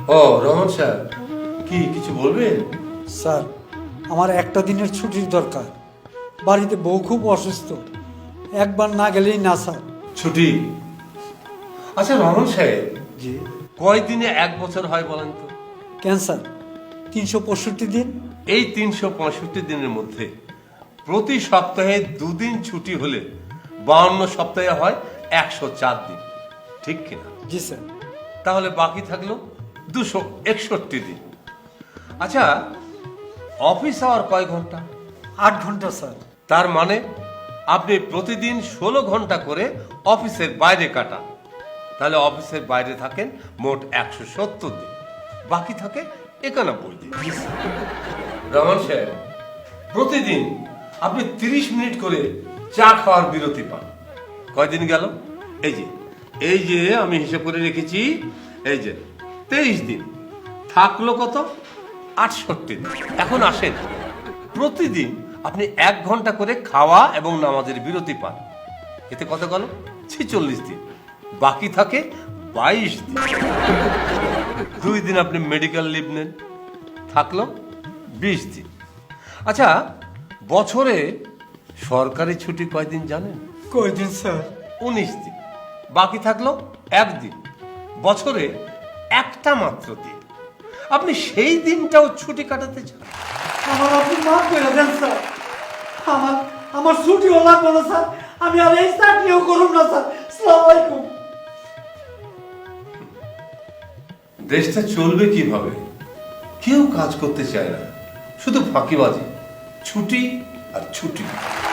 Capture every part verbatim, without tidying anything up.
ও রহমান সাহেব, কি কিছু বলবেন? স্যার, আমার একটা দিনের ছুটির দরকার। বাড়িতে বউ খুব অসুস্থ, একবার না গেলেই না স্যার। ছুটি? আচ্ছা রহমান সাহেব, জি। কয় দিনে এক বছর হয় বলেন তো? ক্যান্সার তিনশো পঁয়ষট্টি দিন। এই তিনশো পঁয়ষট্টি দিনের মধ্যে প্রতি সপ্তাহে দুদিন ছুটি হলে বাউন্ন সপ্তাহে হয় একশো চার দিন, ঠিক কিনা? জি স্যার। তাহলে বাকি থাকলো দুশো একষট্টি দিন। আচ্ছা, অফিস আওয়ার কয় ঘন্টা? আট ঘন্টা স্যার। তার মানে আপনি প্রতিদিন ষোলো ঘন্টা করে অফিসের বাইরে কাটান। তাহলে অফিসের বাইরে থাকেন মোট একশো সত্তর দিন, বাকি থাকে একানব্বই দিন। রহমান সাহেব, প্রতিদিন আপনি তিরিশ মিনিট করে চা খাওয়ার বিরতি পান। কয়দিন গেল? এই যে এই যে আমি হিসেব করে রেখেছি, এই যে তেইশ দিন। থাকলো কত? আটষট্টি দিন। এখন আসেন, প্রতিদিন আপনি এক ঘন্টা করে খাওয়া এবং নামাজের বিরতি পান। এতে কত গেল? ছেচল্লিশ দিন, বাকি থাকে বাইশ দিন। দুই দিন আপনি মেডিকেল লিভ নেন, থাকলো বিশ দিন। আচ্ছা, বছরে সরকারি ছুটি কয়দিন জানেন? কয়দিন স্যার? উনিশ দিন, বাকি থাকলো একদিন। বছরে একটা মাত্র দিন, আপনি সেই দিনটাও ছুটি কাটাতে চান? আমার আপনি মাফ করে দেন স্যার। আমার আমার ছুটিও লাগবে না স্যার। আমি আর এই চাকরিও করুন না স্যার। আসসালামু আলাইকুম। দেশটা চলবে কিভাবে? কেউ কাজ করতে চায় না, শুধু ফাঁকিবাজি, ছুটি আর ছুটি।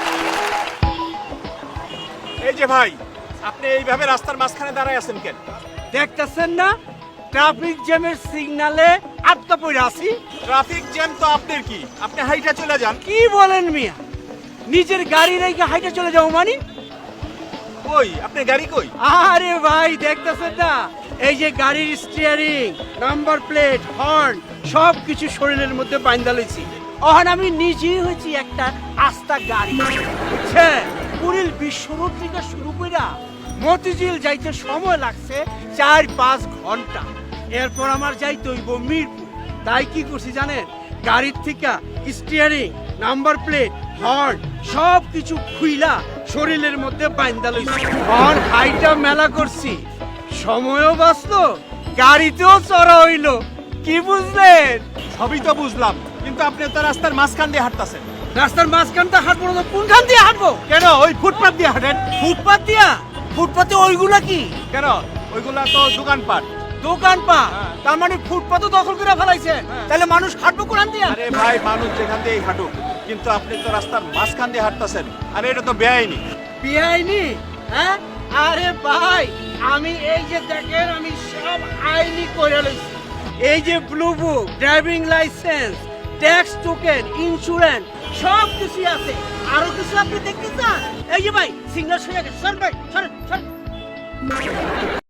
এই যে ভাই, আপনি এইভাবে রাস্তার মাঝখানে দাঁড়ায় আছেন কেন? দেখতেছেন না ট্রাফিক জ্যামের সিগনালে আটকা পড়ে আছি। ট্রাফিক জ্যাম তো আপনার কি? আপনি হাইটা চলে যান। কি বলেন মিয়া, নিজের গাড়ি রেখে হাইটে চলে যাও মানে? কই আপনার গাড়ি কই? আরে ভাই দেখতেছেন না, এই যে গাড়ির স্টিয়ারিং, নাম্বার প্লেট, হর্ন সব কিছু শরীরের মধ্যে বাইন্ধা লইছি। অহন আমি নিজেই হয়েছি একটা আস্তা গাড়ি, বুঝছেন? পুরীর বিশ্বরোড থেকে শুরু কইরা মতিঝিল যাইতে সময় লাগছে চার পাঁচ ঘন্টা। এরপর আমার যাইতে হইব মিরপুর। তাই কি করছি জানেন, গাড়ির থেকে স্টিয়ারিং, নাম্বার প্লেট, হর্ন সব কিছু খুইলা শরীরের মধ্যে বাইন্ধা লইছি। আর হাইটা মেলা করছি, সময়ও বাঁচলো, গাড়িতেও চড়া হইলো। কি বুঝলেন? সবই তো বুঝলাম, কিন্তু আপনি তো রাস্তার মাঝখান দিয়ে হাঁটতাছেন। রাস্তার মাঝখানটা হাঁটবো না তো কোনখান দিয়ে হাঁটবো? কেন ওই ফুটপাত দিয়ে হাঁটেন? ফুটপাত দিয়া? ফুটপাতে ওইগুলা কি? কেন ওইগুলা তো দোকানপাট। দোকান পা? হ্যাঁ। তার মানে ফুটপাতও দখল করে ফেলাইছে। তাহলে মানুষ হাঁটবো কোনখান দিয়া? আরে ভাই, মানুষ যেখান দিয়েই হাঁটুক, কিন্তু আপনি তো রাস্তার মাঝখান দিয়ে হাঁটতাছেন। আরে এটা তো বেআইনি। বেআইনি? হ্যাঁ আরে ভাই, আমি এই যে দেখেন আমি সব আইনি করে লইছি। এই যে blue book, driving licence, tax token, insurance সব কিছু আছে। আরো কিছু আপনি দেখতে চান? এই যে ভাই সিগন্যাল সরে গেছে, সর ভাই, সরেন, সরেন।